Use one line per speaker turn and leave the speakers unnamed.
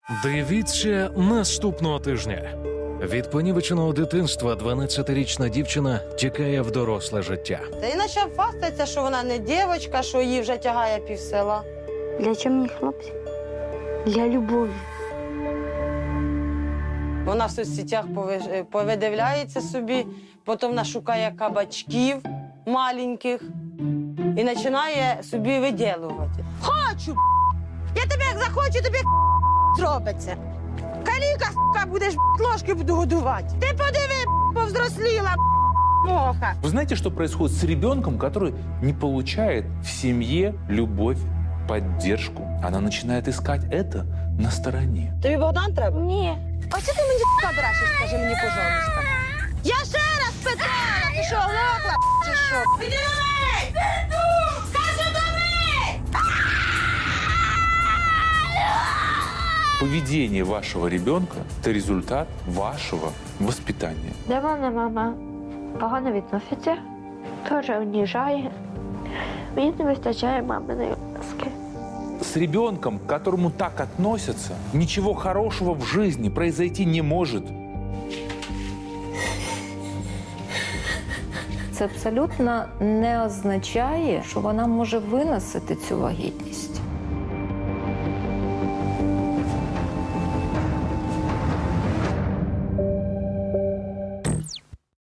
Дивіться наступного тижня. Від понівеченого дитинства 12-річна дівчина тікає в доросле життя.
Та і почав фастатися, що вона не дівчинка, що її вже тягає півсела.
Для чого мені хлопці? Для любові.
Вона в соцсетях повидивляється собі, потім нашукає кабачків маленьких і починає собі виділувати. Хочу! Я тебе як захочу, тобі зробиться. Каліка, будеш ложки буду годувати. Ти подиви, повзросліла, моха.
Вы знаете, что происходит с ребенком, который не получает в семье любовь, поддержку? Она начинает искать это на стороне.
Тобі Богдан треба?
Ні.
А що ти мені брешеш, скажи мені, пожалуйста? Я ще раз питала, ти що, лопла, чи що? Іди до мене! Кажу до мене!
Поведение вашего ребенка – это результат вашего воспитания.
До мене мама погано відноситься, теж уніжає. Мені не вистачає маминої ласки.
С ребенком, к которому так относятся, ничего хорошего в жизни произойти не может.
Це абсолютно не означає, що вона може виносити цю вагітність.